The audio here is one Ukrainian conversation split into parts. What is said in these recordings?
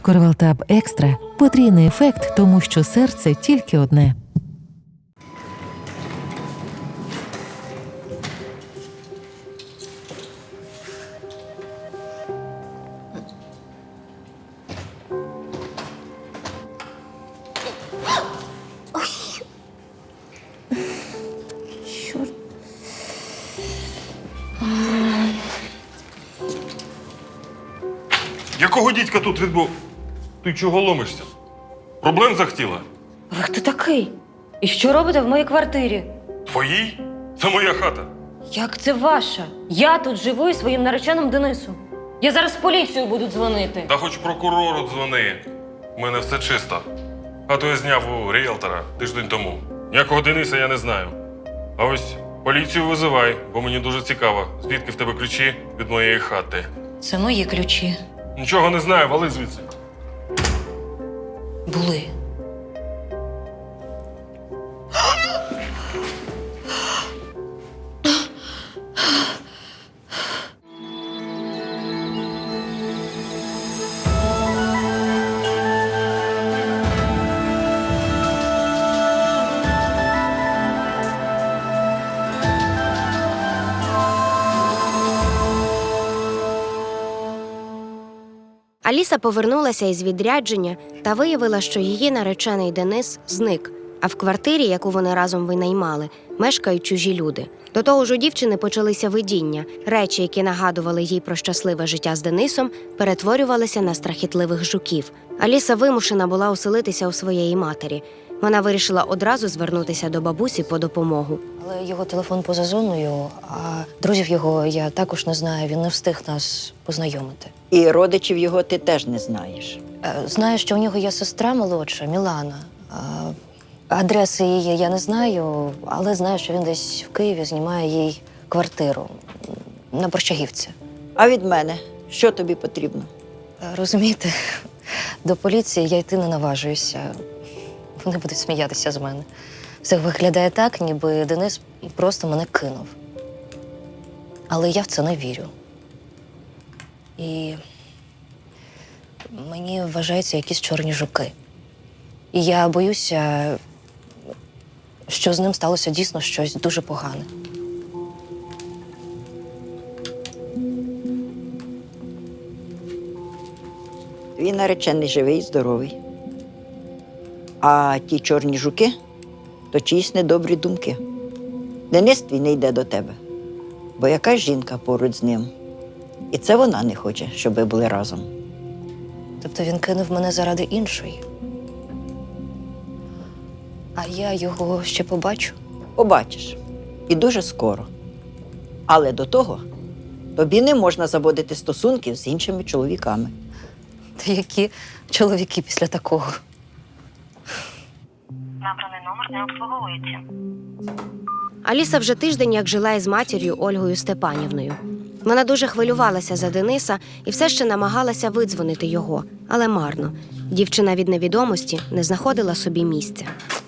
Корвалтаб Екстра – потрійний ефект, тому що серце тільки одне. Якого дідька тут відбув? Ти чого ломишся? Проблем захотіла? Ви хто такий? І що робите в моїй квартирі? Твоїй? Це моя хата. Як це ваша? Я тут живу із своїм нареченим Денисом. Я зараз в поліцію буду дзвонити. Та хоч прокурору дзвони. У мене все чисто. Хату я зняв у ріелтора тиждень тому. Ніякого Дениса я не знаю. А ось поліцію визивай, бо мені дуже цікаво, звідки в тебе ключі від моєї хати. Це мої ключі. Нічого не знаю, вали звідси. Були. Аліса повернулася із відрядження та виявила, що її наречений Денис зник, а в квартирі, яку вони разом винаймали, мешкають чужі люди. До того ж у дівчини почалися видіння. Речі, які нагадували їй про щасливе життя з Денисом, перетворювалися на страхітливих жуків. Аліса вимушена була оселитися у своєї матері. Вона вирішила одразу звернутися до бабусі по допомогу. Але його телефон поза зоною, а друзів його я також не знаю. Він не встиг нас познайомити. І родичів його ти теж не знаєш. Знаю, що у нього є сестра молодша, Мілана. Адреси її я не знаю, але знаю, що він десь в Києві знімає їй квартиру на Борщагівці. А від мене що тобі потрібно? Розумієте, до поліції я йти не наважуюся. Вони будуть сміятися з мене. Все виглядає так, ніби Денис просто мене кинув. Але я в це не вірю. І мені вважаються якісь чорні жуки. І я боюся, що з ним сталося дійсно щось дуже погане. Твій наречений живий і здоровий. А ті чорні жуки то чиїсь недобрі думки. Денис твій не йде до тебе, бо якась жінка поруч з ним. І це вона не хоче, щоб ви були разом. Тобто він кинув мене заради іншої. А я його ще побачу. Побачиш. І дуже скоро. Але до того тобі не можна заводити стосунків з іншими чоловіками. Та які чоловіки після такого? Набраний номер не обслуговується. Аліса вже тиждень як жила із матір'ю Ольгою Степанівною. Вона дуже хвилювалася за Дениса і все ще намагалася видзвонити його, але марно. Дівчина від невідомості не знаходила собі місця.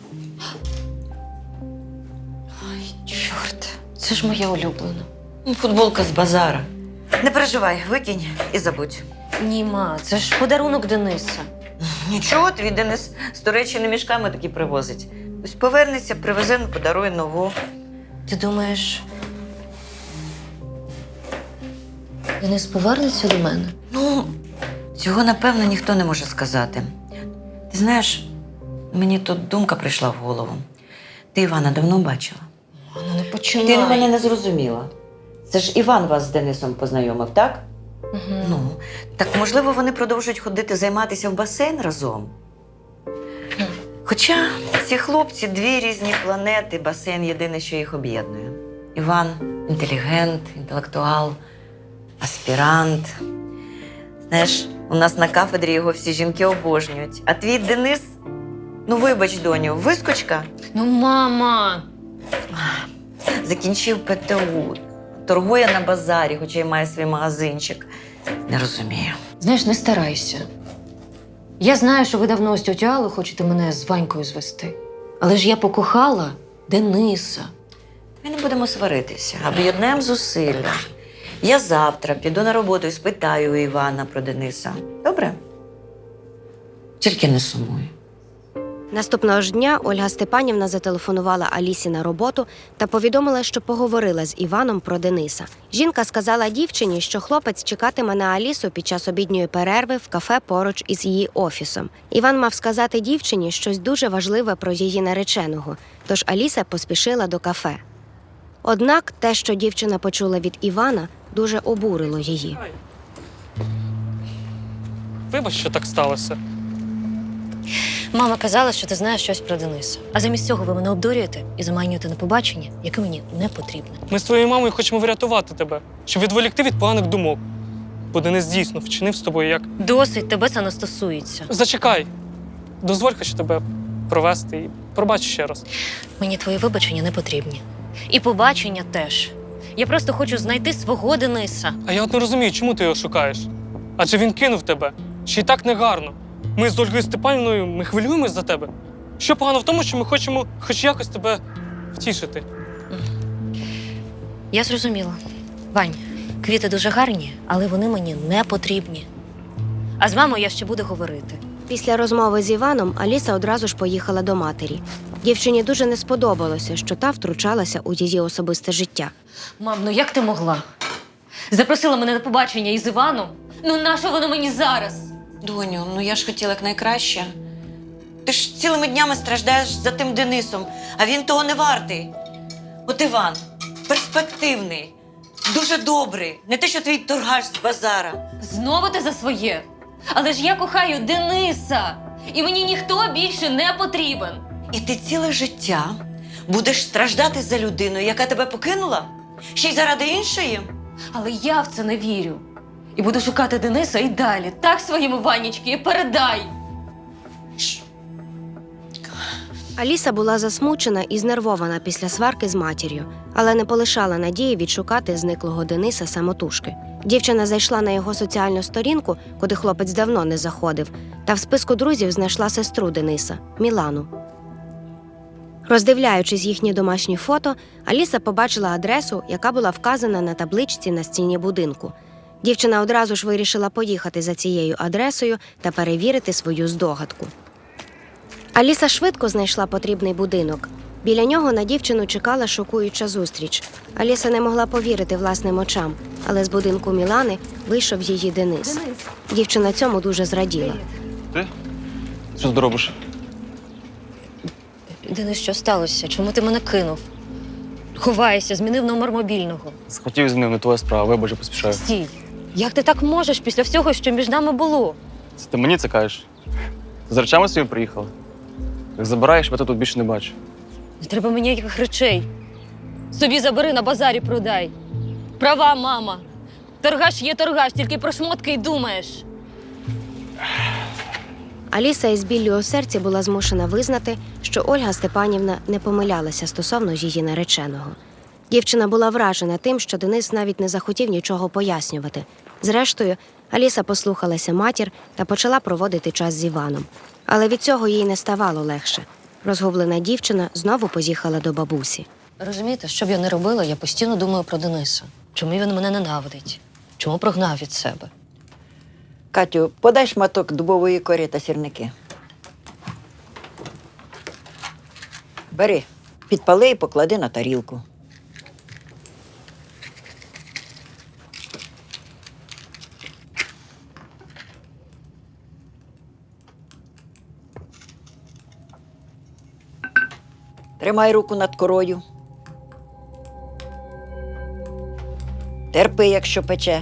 Чорт, це ж моя улюблена. Футболка з базара. Не переживай, викинь і забудь. Ні, ма, це ж подарунок Дениса. Нічого, твій Денис з Туреччини мішками такі привозить. Ось повернеться, привезе, подарує нову. Ти думаєш, Денис повернеться до мене? Ну, цього, напевно, ніхто не може сказати. Ти знаєш, мені тут думка прийшла в голову. Ти Івана давно бачила? Вона не починає. Ти мене не зрозуміла. Це ж Іван вас з Денисом познайомив, так? Угу. Ну, так можливо, вони продовжують ходити займатися в басейн разом? Хоча ці хлопці дві різні планети, басейн єдине, що їх об'єднує. Іван інтелігент, інтелектуал, аспірант. Знаєш, у нас на кафедрі його всі жінки обожнюють. А твій Денис, ну вибач, доню, вискочка, Ну, мама! закінчив ПТУ, торгує на базарі, хоча й має свій магазинчик. Не розумію. Знаєш, не старайся. Я знаю, що ви давно з тьотю Аллою хочете мене з Ванькою звести. Але ж я покохала Дениса. Ми не будемо сваритися, об'єднаємо зусилля. Я завтра піду на роботу і спитаю у Івана про Дениса. Добре? Тільки не сумуй. Наступного ж дня Ольга Степанівна зателефонувала Алісі на роботу та повідомила, що поговорила з Іваном про Дениса. Жінка сказала дівчині, що хлопець чекатиме на Алісу під час обідньої перерви в кафе поруч із її офісом. Іван мав сказати дівчині щось дуже важливе про її нареченого, тож Аліса поспішила до кафе. Однак те, що дівчина почула від Івана, дуже обурило її. Вибач, що так сталося. Мама казала, що ти знаєш щось про Дениса. А замість цього ви мене обдурюєте і заманюєте на побачення, яке мені не потрібне. Ми з твоєю мамою хочемо врятувати тебе, щоб відволікти від поганих думок. Бо Денис дійсно вчинив з тобою як… Досить, тебе це не стосується. Зачекай. Дозволь хоч тебе провести і пробач ще раз. Мені твої вибачення не потрібні. І побачення теж. Я просто хочу знайти свого Дениса. А я от не розумію, чому ти його шукаєш? Адже він кинув тебе. Ще й так негарно. Ми з Ольгою Степанівною, ми хвилюємось за тебе. Що погано в тому, що ми хочемо хоч якось тебе втішити? Я зрозуміла. Вань, квіти дуже гарні, але вони мені не потрібні. А з мамою я ще буду говорити. Після розмови з Іваном Аліса одразу ж поїхала до матері. Дівчині дуже не сподобалося, що та втручалася у її особисте життя. Мам, ну як ти могла? Запросила мене на побачення із Іваном? Ну нащо воно мені зараз? Доню, ну я ж хотіла якнайкраще. Ти ж цілими днями страждаєш за тим Денисом, а він того не вартий. От Іван, перспективний, дуже добрий, не те, що твій торгаш з базара. Знову ти за своє. Але ж я кохаю Дениса. І мені ніхто більше не потрібен. І ти ціле життя будеш страждати за людину, яка тебе покинула? Ще й заради іншої? Але я в це не вірю. І буду шукати Дениса і далі. Так своєму Ванічки і передай. Аліса була засмучена і знервована після сварки з матір'ю, але не полишала надії відшукати зниклого Дениса самотужки. Дівчина зайшла на його соціальну сторінку, куди хлопець давно не заходив, та в списку друзів знайшла сестру Дениса – Мілану. Роздивляючись їхні домашні фото, Аліса побачила адресу, яка була вказана на табличці на стіні будинку. Дівчина одразу ж вирішила поїхати за цією адресою та перевірити свою здогадку. Аліса швидко знайшла потрібний будинок. Біля нього на дівчину чекала шокуюча зустріч. Аліса не могла повірити власним очам, але з будинку Мілани вийшов її Денис. Дівчина цьому дуже зраділа. Ти? Що ти робиш? Денис, що сталося? Чому ти мене кинув? Ховаєшся, змінив номер мобільного. Схотів з ним, не твоя справа, вибач, я поспішаю. Стій! Як ти так можеш після всього, що між нами було? Це ти мені це кажеш? Ти з речами своїми приїхала? Як забираєш, я тут більше не бачу. Не треба мені ніяких речей. Собі забери, на базарі продай. Права, мама. Торгаш є торгаш, тільки про шмотки й думаєш. Аліса із біллю у серці була змушена визнати, що Ольга Степанівна не помилялася стосовно її нареченого. Дівчина була вражена тим, що Денис навіть не захотів нічого пояснювати. Зрештою, Аліса послухалася матір та почала проводити час з Іваном. Але від цього їй не ставало легше. Розгублена дівчина знову поїхала до бабусі. Розумієте, що б я не робила, я постійно думаю про Дениса. Чому він мене ненавидить? Чому прогнав від себе? Катю, подай шматок дубової кори та сірники. Бери, підпали і поклади на тарілку. Тримай руку над корою. Терпи, якщо пече.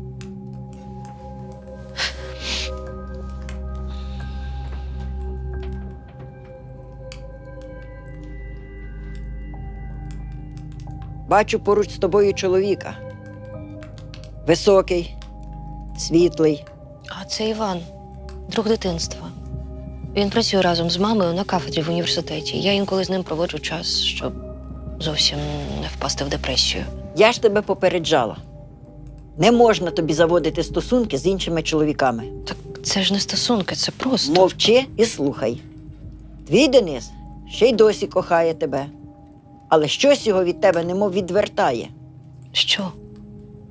Бачу поруч з тобою чоловіка. Високий, світлий. А це Іван, друг дитинства. Він працює разом з мамою на кафедрі в університеті. Я інколи з ним проводжу час, щоб зовсім не впасти в депресію. Я ж тебе попереджала. Не можна тобі заводити стосунки з іншими чоловіками. Так це ж не стосунки, це просто. Мовчи і слухай. Твій Денис ще й досі кохає тебе. Але щось його від тебе немов відвертає. Що?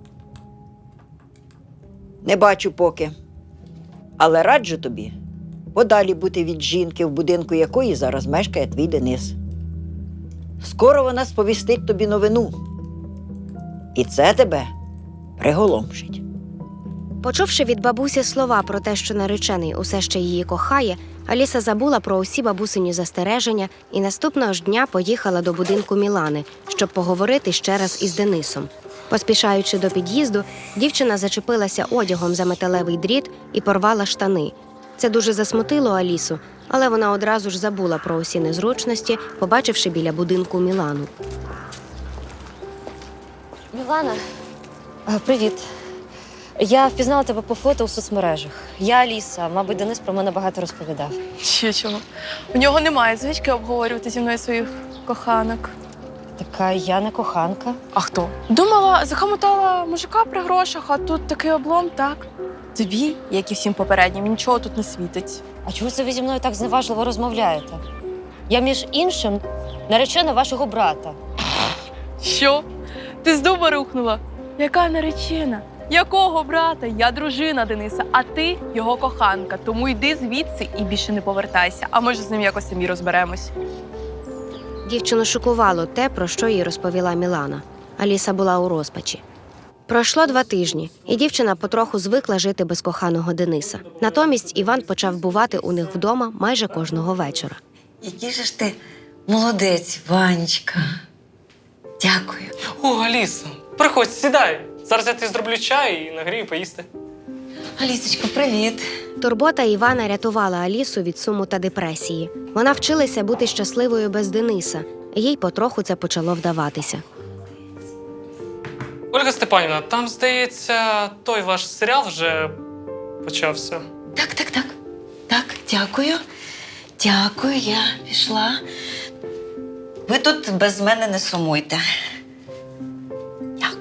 Не бачу поки. Але раджу тобі подалі бути від жінки, в будинку якої зараз мешкає твій Денис. Скоро вона сповістить тобі новину. І це тебе приголомшить. Почувши від бабусі слова про те, що наречений усе ще її кохає, Аліса забула про усі бабусині застереження і наступного ж дня поїхала до будинку Мілани, щоб поговорити ще раз із Денисом. Поспішаючи до під'їзду, дівчина зачепилася одягом за металевий дріт і порвала штани. Це дуже засмутило Алісу, але вона одразу ж забула про усі незручності, побачивши біля будинку Мілану. Мілана, привіт. Я впізнала тебе по фото у соцмережах. Я Аліса, мабуть, Денис про мене багато розповідав. Ще чого? У нього немає звички обговорювати зі мною своїх коханок. Така я не коханка. А хто? Думала, захамотала мужика при грошах, а тут такий облом, так? Тобі, як і всім попереднім, нічого тут не світить. А чого це ви зі мною так зневажливо розмовляєте? Я, між іншим, наречена вашого брата. Що? Ти з дуба рухнула? Яка наречена? Якого брата? Я дружина Дениса, а ти його коханка. Тому йди звідси і більше не повертайся. А може, з ним якось самі розберемось. Дівчину шокувало те, про що їй розповіла Мілана. Аліса була у розпачі. Пройшло 2 тижні, і дівчина потроху звикла жити без коханого Дениса. Натомість Іван почав бувати у них вдома майже кожного вечора. Який же ж ти молодець, Ванечка. Дякую. О, Аліса, приходь, сідай. Зараз я тобі зроблю чай і нагрію поїсти. Алісочко, привіт. Турбота Івана рятувала Алісу від суму та депресії. Вона вчилася бути щасливою без Дениса, і їй потроху це почало вдаватися. Ольга Степанівна, там, здається, той ваш серіал вже почався. Так. Так, дякую. Дякую, я пішла. Ви тут без мене не сумуйте. Дякую.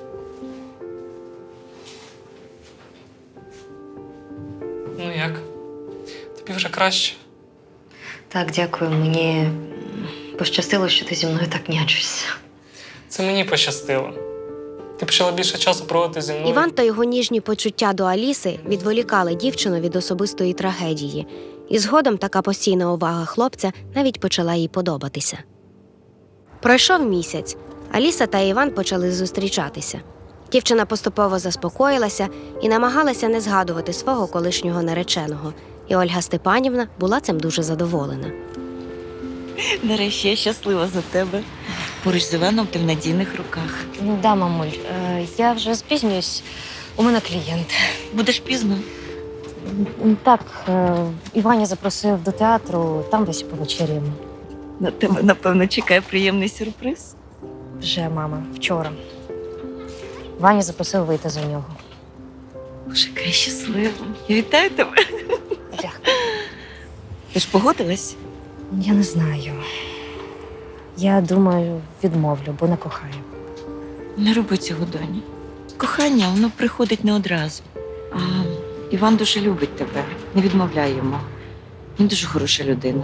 Ну як? Тобі вже краще? Так, дякую. Мені пощастило, що ти зі мною так нячишся. Це мені пощастило. Ти почала більше часу проводити зі мною. Іван та його ніжні почуття до Аліси відволікали дівчину від особистої трагедії. І згодом така постійна увага хлопця навіть почала їй подобатися. Пройшов місяць. Аліса та Іван почали зустрічатися. Дівчина поступово заспокоїлася і намагалася не згадувати свого колишнього нареченого. І Ольга Степанівна була цим дуже задоволена. Нарешті я щаслива за тебе. Поруч з Іваном ти в надійних руках. Ну да, мамуль, я вже спізнююсь. У мене клієнт. Будеш пізно. Так, Іваня запросив до театру, там десь повечеряємо. На тебе, напевно, чекає приємний сюрприз. Вже, мама, вчора. Ваня запросив вийти за нього. Боже, яка я щаслива. Я вітаю тебе. Дякую. Ти ж погодилась? Я не знаю. Я думаю, відмовлю, бо не кохаю. Не роби цього, доні. Кохання, воно приходить не одразу. А Іван дуже любить тебе. Не відмовляй йому. Він дуже хороша людина.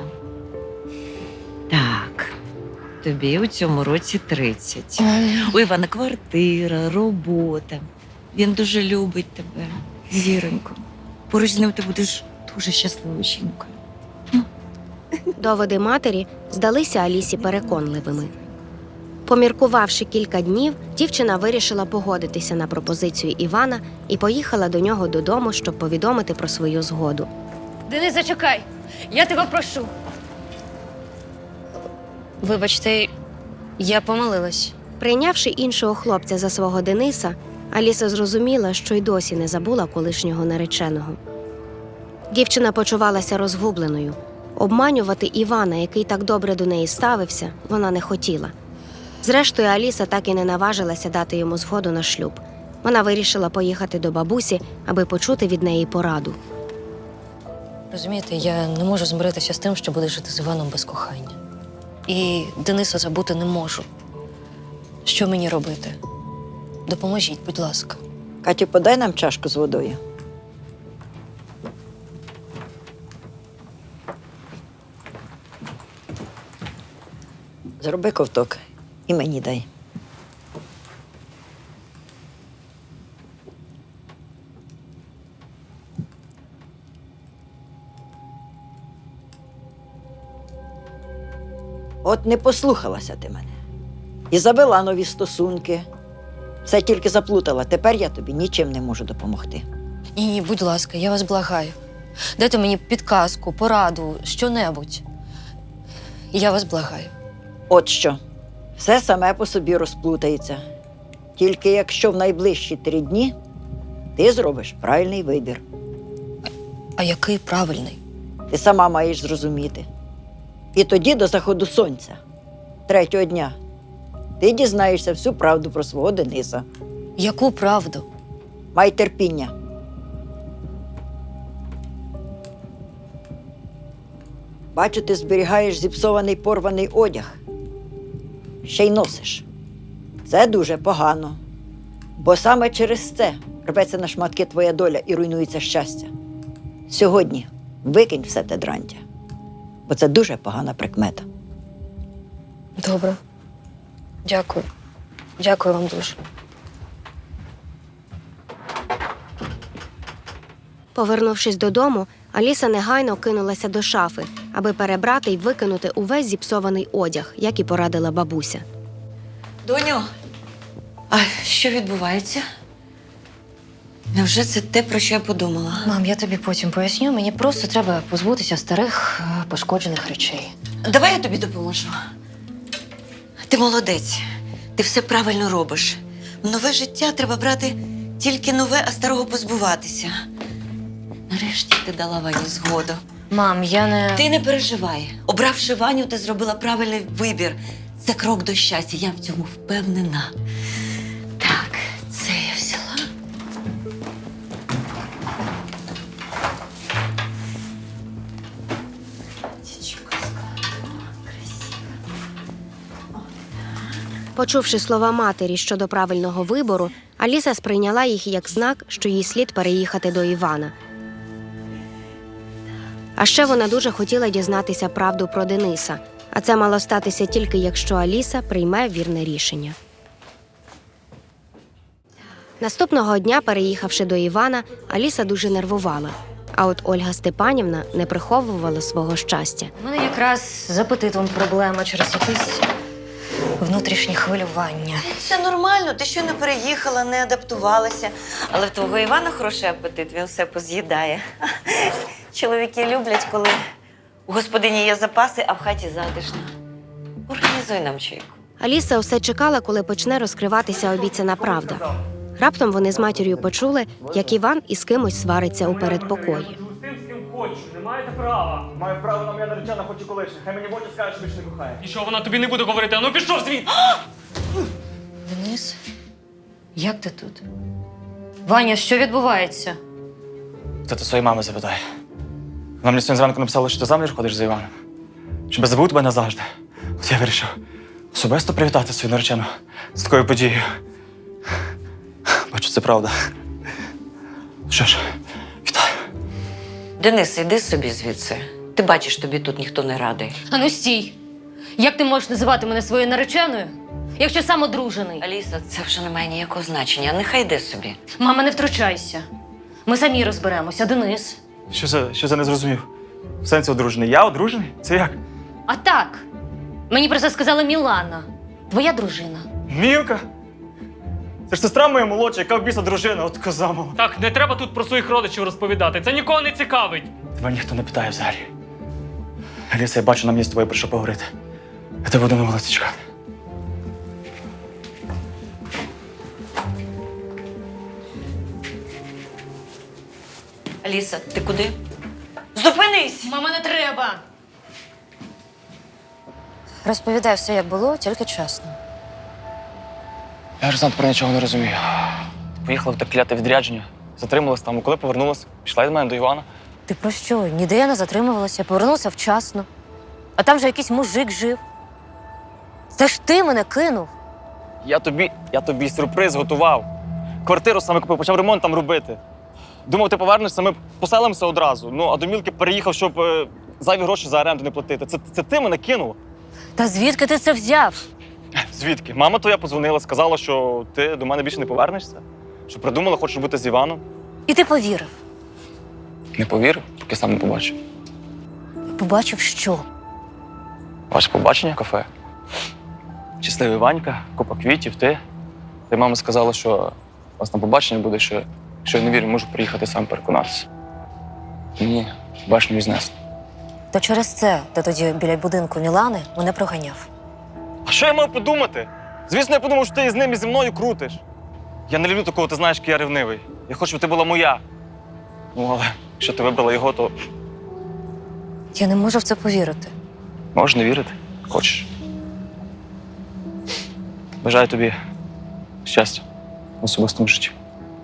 Так, тобі у цьому році 30. У Івана квартира, робота. Він дуже любить тебе, зіронько. Поруч з ним ти будеш дуже щасливою жінкою. Доводи матері здалися Алісі переконливими. Поміркувавши кілька днів, дівчина вирішила погодитися на пропозицію Івана і поїхала до нього додому, щоб повідомити про свою згоду. Денис, зачекай! Я тебе прошу. Вибачте, я помилилась. Прийнявши іншого хлопця за свого Дениса, Аліса зрозуміла, що й досі не забула колишнього нареченого. Дівчина почувалася розгубленою. Обманювати Івана, який так добре до неї ставився, вона не хотіла. Зрештою, Аліса так і не наважилася дати йому згоду на шлюб. Вона вирішила поїхати до бабусі, аби почути від неї пораду. Розумієте, я не можу змиритися з тим, що буду жити з Іваном без кохання. І Дениса забути не можу. Що мені робити? Допоможіть, будь ласка. Катю, подай нам чашку з водою. Зроби ковток і мені дай. От не послухалася ти мене. І завела нові стосунки. Все тільки заплутала. Тепер я тобі нічим не можу допомогти. Ні, будь ласка, я вас благаю. Дайте мені підказку, пораду, що-небудь. Я вас благаю. От що, все саме по собі розплутається. Тільки якщо в найближчі 3 дні ти зробиш правильний вибір. А який правильний? Ти сама маєш зрозуміти. І тоді до заходу сонця, 3-го дня, ти дізнаєшся всю правду про свого Дениса. Яку правду? Май терпіння. Бачу, ти зберігаєш зіпсований порваний одяг. Ще й носиш. Це дуже погано. Бо саме через це рветься на шматки твоя доля і руйнується щастя. Сьогодні викинь все те дрантя. Бо це дуже погана прикмета. Добре. Дякую. Дякую вам дуже. Повернувшись додому, Аліса негайно кинулася до шафи, аби перебрати й викинути увесь зіпсований одяг, як і порадила бабуся. Доню, а що відбувається? Невже це те, про що я подумала? Мам, я тобі потім поясню. Мені просто треба позбутися старих пошкоджених речей. Давай я тобі допоможу. Ти молодець. Ти все правильно робиш. В нове життя треба брати тільки нове, а старого позбуватися. Нарешті ти дала Вані згоду. Мам, я не... Ти не переживай. Обравши Ваню, ти зробила правильний вибір. Це крок до щастя, я в цьому впевнена. Так, це я взяла. Дівчинка складова, красива. Почувши слова матері щодо правильного вибору, Аліса сприйняла їх як знак, що їй слід переїхати до Івана. А ще вона дуже хотіла дізнатися правду про Дениса, а це мало статися тільки якщо Аліса прийме вірне рішення. Наступного дня, переїхавши до Івана, Аліса дуже нервувала. А от Ольга Степанівна не приховувала свого щастя. У мене якраз з апетитом проблема через якісь внутрішні хвилювання. Все нормально, ти ще не переїхала, не адаптувалася. Але в твого Івана хороший апетит, він все поз'їдає. Чоловіки люблять, коли у господині є запаси, а в хаті затишно. Організуй нам чайку. Аліса усе чекала, коли почне розкриватися обіцяна правда. Раптом вони з матір'ю почули, як Іван із кимось свариться у передпокої. З тим, з ким хочу, не маєте права. Маю право на моя наречена, хоч і колишня. Хай мені в очі скаже, що більше не кохає. І що вона тобі не буде говорити? А ну пішов звідти! Денис, як ти тут? Ваня, що відбувається? Це ти своєї мами запитай. Вона мені сьогодні зранку написала, що ти заміж ходиш за Іваном. Щоб я забув тебе назавжди. От я вирішив особисто привітати свою наречену з такою подією. Бачу, це правда. Що ж, вітаю. Денис, іди собі звідси. Ти бачиш, тобі тут ніхто не радий. Ану стій! Як ти можеш називати мене своєю нареченою, якщо сам одружений? Аліса, це вже не має ніякого значення. Нехай йде собі. Мама, не втручайся. Ми самі розберемося, Денис. Що за не зрозумів? В сенсі одружений. Я одружений? Це як? А так, мені про це сказала Мілана, твоя дружина. Мілка? Це ж сестра моя молодша, яка в біса дружина, от коза мала. Так, не треба тут про своїх родичів розповідати. Це нікого не цікавить. Тебе ніхто не питає взагалі. Аліса, я бачу, нам є з тобою про що поговорити. Я тебе буду на вулиці чекати. Аліса, ти куди? Зупинись! Мама, не треба! Розповідай все, як було, тільки чесно. Я ж сам про нічого не розумію. Поїхала в те кляте відрядження, затрималась там, а коли повернулась, пішла від мене до Івана. Ти про що? Ніде я не затримувалася, повернувся вчасно. А там же якийсь мужик жив. Це ж ти мене кинув. Я тобі сюрприз готував. Квартиру саме купив, почав ремонт там робити. Думав, ти повернешся, ми поселимося одразу. Ну, а до Мілки переїхав, щоб зайві гроші за оренду не платити. Це ти мене кинув. Та звідки ти це взяв? Звідки? Мама твоя подзвонила, сказала, що ти до мене більше не повернешся. Що придумала, хочеш бути з Іваном. І ти повірив. Не повірив, поки сам не побачив. Побачив що? Ваше побачення в кафе. Щасливий Ванька, купа квітів, ти. Та й мама сказала, що у вас на побачення буде, що якщо я не вірю, можу приїхати сам переконатися. Мені башню віднесли. То через це ти тоді біля будинку Мілани мене проганяв. А що я мав подумати? Звісно, я подумав, що ти з ним і зі мною крутиш. Я не люблю такого, ти знаєш, який я ревнивий. Я хочу, щоб ти була моя. Ну, але якщо ти вибрала його, то Я не можу в це повірити. можеш не вірити. Хочеш. Бажаю тобі щастя в особистому житті.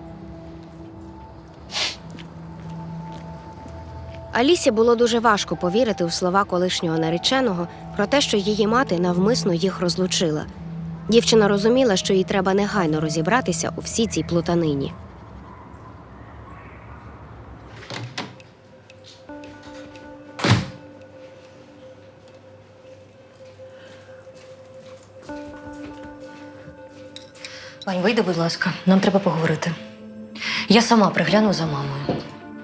Алісі було дуже важко повірити у слова колишнього нареченого про те, що її мати навмисно їх розлучила. Дівчина розуміла, що їй треба негайно розібратися у всій цій плутанині. Вань, вийди, будь ласка, нам треба поговорити. Я сама пригляну за мамою.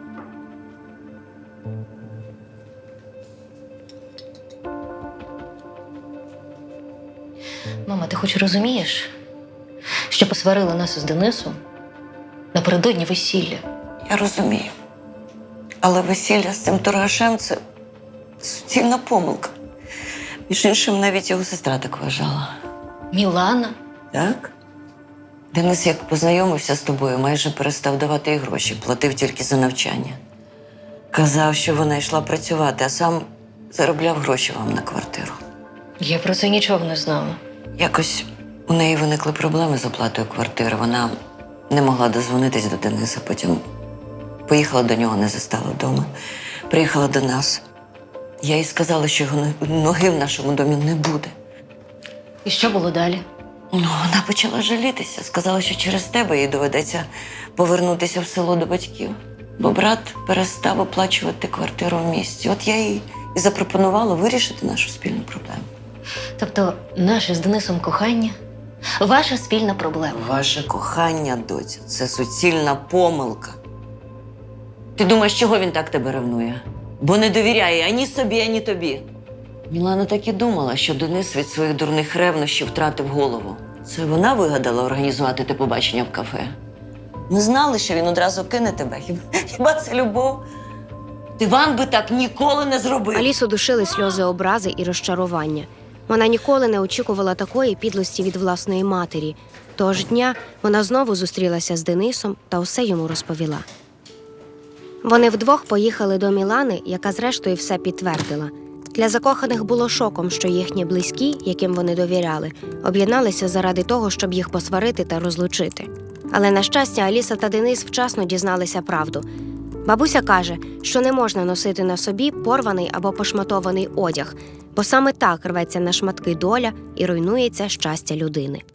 Мама, ти хоч розумієш, що посварили нас із Денисом напередодні весілля? Я розумію. Але весілля з цим торгашем – це суцільна помилка. Між іншим, навіть його сестра так вважала. Мілана? Так? Денис, як познайомився з тобою, майже перестав давати їй гроші, платив тільки за навчання. Казав, що вона йшла працювати, а сам заробляв гроші вам на квартиру. Я про це нічого не знала. Якось у неї виникли проблеми з оплатою квартири. Вона не могла дозвонитись до Дениса, потім поїхала до нього, не застала вдома. Приїхала до нас. Я їй сказала, що його ноги в нашому домі не буде. І що було далі? Ну, вона почала жалітися. Сказала, що через тебе їй доведеться повернутися в село до батьків. Бо брат перестав оплачувати квартиру в місті. От я їй і запропонувала вирішити нашу спільну проблему. Тобто наше з Денисом кохання – ваша спільна проблема. Ваше кохання, доця, це суцільна помилка. Ти думаєш, чого він так тебе ревнує? Бо не довіряє ані собі, ані тобі. Мілана так і думала, що Денис від своїх дурних ревнощів втратив голову. Це вона вигадала організувати те побачення в кафе. Ми знали, що він одразу кине тебе. Хіба це любов? Іван би так ніколи не зробив. Алісу душили сльози образи і розчарування. Вона ніколи не очікувала такої підлості від власної матері. Того ж дня вона знову зустрілася з Денисом та усе йому розповіла. Вони вдвох поїхали до Мілани, яка зрештою все підтвердила. Для закоханих було шоком, що їхні близькі, яким вони довіряли, об'єдналися заради того, щоб їх посварити та розлучити. Але, на щастя, Аліса та Денис вчасно дізналися правду. Бабуся каже, що не можна носити на собі порваний або пошматований одяг, бо саме так рветься на шматки доля і руйнується щастя людини.